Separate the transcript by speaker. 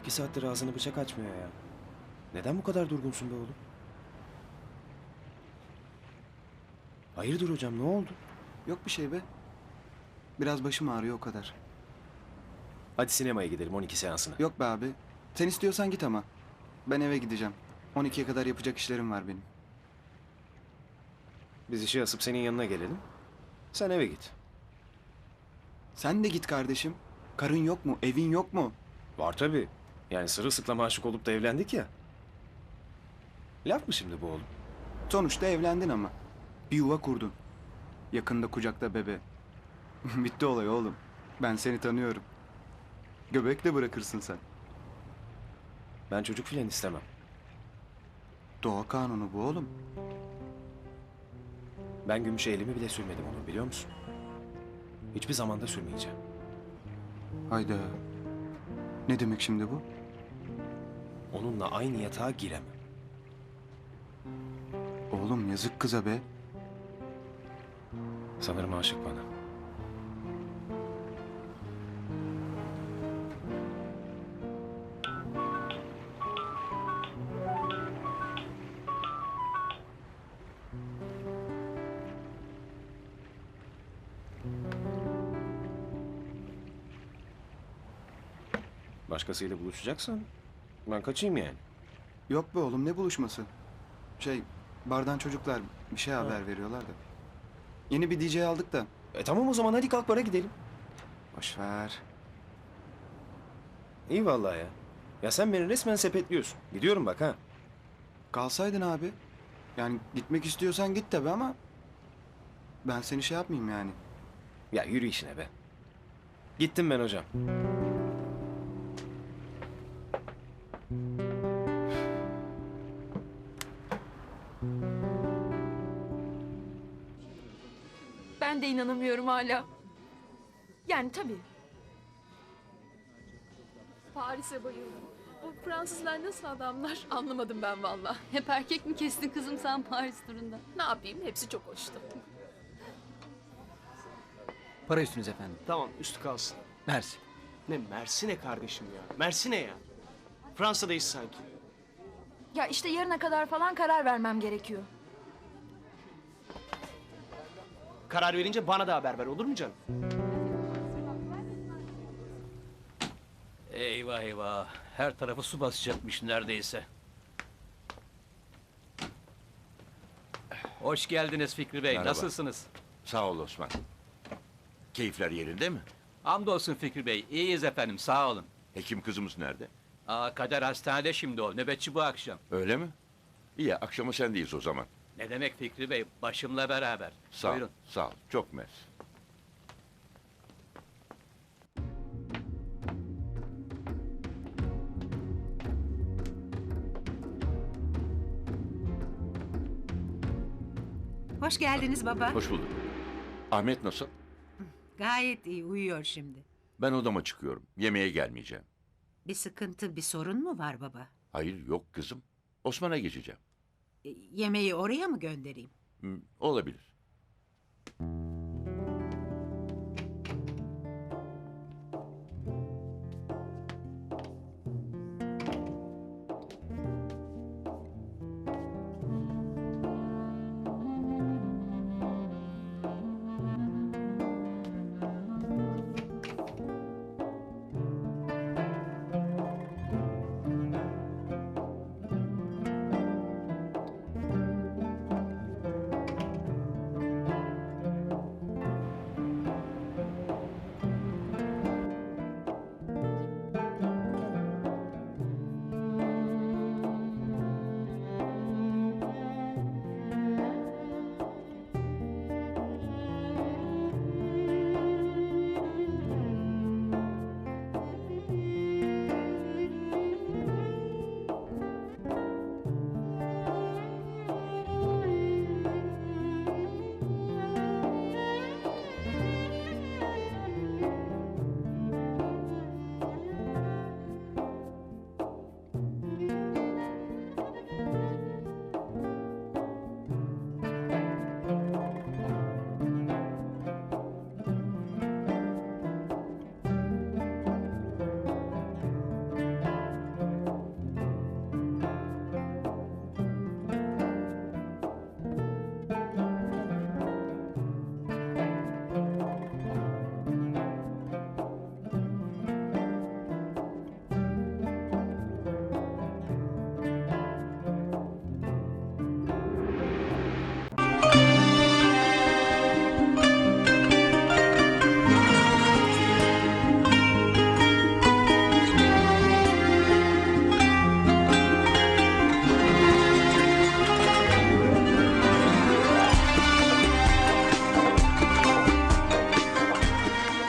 Speaker 1: 2 saattir ağzını bıçak açmıyor ya. Neden bu kadar durgunsun be oğlum? Hayırdır hocam, ne oldu?
Speaker 2: Yok bir şey be. Biraz başım ağrıyor o kadar.
Speaker 1: Hadi sinemaya gidelim 12 seansına.
Speaker 2: Yok be abi. Sen istiyorsan git ama. Ben eve gideceğim. 12'ye kadar yapacak işlerim var benim.
Speaker 1: Biz işi asıp senin yanına gelelim. Sen eve git.
Speaker 2: Sen de git kardeşim. Karın yok mu? Evin yok mu?
Speaker 1: Var tabii. Yani sırılsıklama aşık olup da evlendik ya. Laf mı şimdi bu oğlum?
Speaker 2: Sonuçta evlendin ama. Bir yuva kurdun. Yakında kucakta bebe. Bitti olay oğlum. Ben seni tanıyorum. Göbek de bırakırsın sen.
Speaker 1: Ben çocuk filan istemem.
Speaker 2: Doğa kanunu bu oğlum.
Speaker 1: Ben gümüşe elimi bile sürmedim onu, biliyor musun? Hiçbir zamanda sürmeyeceğim.
Speaker 2: Hayda. Ne demek şimdi bu?
Speaker 1: Onunla aynı yatağa giremem.
Speaker 2: Oğlum yazık kıza be.
Speaker 1: Sanırım aşık bana. Başkasıyla buluşacaksan ben kaçayım yani.
Speaker 2: Yok be oğlum, ne buluşması? Bardan çocuklar bir şey haber veriyorlar da. Yeni bir DJ aldık da.
Speaker 1: Tamam o zaman, hadi kalk bara gidelim.
Speaker 2: Boş ver.
Speaker 1: İyi vallahi ya. Ya sen beni resmen sepetliyorsun. Gidiyorum bak ha.
Speaker 2: Kalsaydın abi. Yani gitmek istiyorsan git tabi ama ben seni şey yapmayayım yani.
Speaker 1: Ya yürü işine be. Gittim ben hocam.
Speaker 3: Ben de inanamıyorum hala. Yani tabii.
Speaker 4: Paris'e bayıldım. O Fransızlar nasıl adamlar anlamadım ben valla.
Speaker 3: Hep erkek mi kestin kızım sen Paris turunda?
Speaker 4: Ne yapayım, hepsi çok hoştu.
Speaker 5: Para üstünüz efendim.
Speaker 6: Tamam, üstü kalsın.
Speaker 5: Mersi.
Speaker 6: Ne Mersi ne kardeşim ya? Mersi ne ya? Fransa'dayız sanki.
Speaker 3: Ya işte yarına kadar falan karar vermem gerekiyor.
Speaker 6: Karar verince bana da haber ver, olur mu canım?
Speaker 5: Eyvah eyvah. Her tarafı su basacakmış neredeyse. Hoş geldiniz Fikri Bey.
Speaker 7: Merhaba.
Speaker 5: Nasılsınız?
Speaker 7: Sağ ol Osman. Keyifler yerinde mi?
Speaker 5: Hamdolsun Fikri Bey. İyiyiz efendim. Sağ olun.
Speaker 7: Hekim kızımız nerede?
Speaker 5: Kader hastanede şimdi o. Nöbetçi bu akşam.
Speaker 7: Öyle mi? İyi, akşama sendeyiz o zaman.
Speaker 5: Ne demek Fikri Bey? Başımla beraber.
Speaker 7: Sağ ol,
Speaker 5: Buyurun.
Speaker 7: sağ ol. Çok mersi.
Speaker 8: Hoş geldiniz baba.
Speaker 7: Hoş bulduk. Ahmet nasıl?
Speaker 8: Gayet iyi, uyuyor şimdi.
Speaker 7: Ben odama çıkıyorum. Yemeğe gelmeyeceğim.
Speaker 8: Bir sıkıntı, bir sorun mu var baba?
Speaker 7: Hayır, yok kızım. Osman'a geçeceğim.
Speaker 8: Yemeği oraya mı göndereyim?
Speaker 7: Olabilir.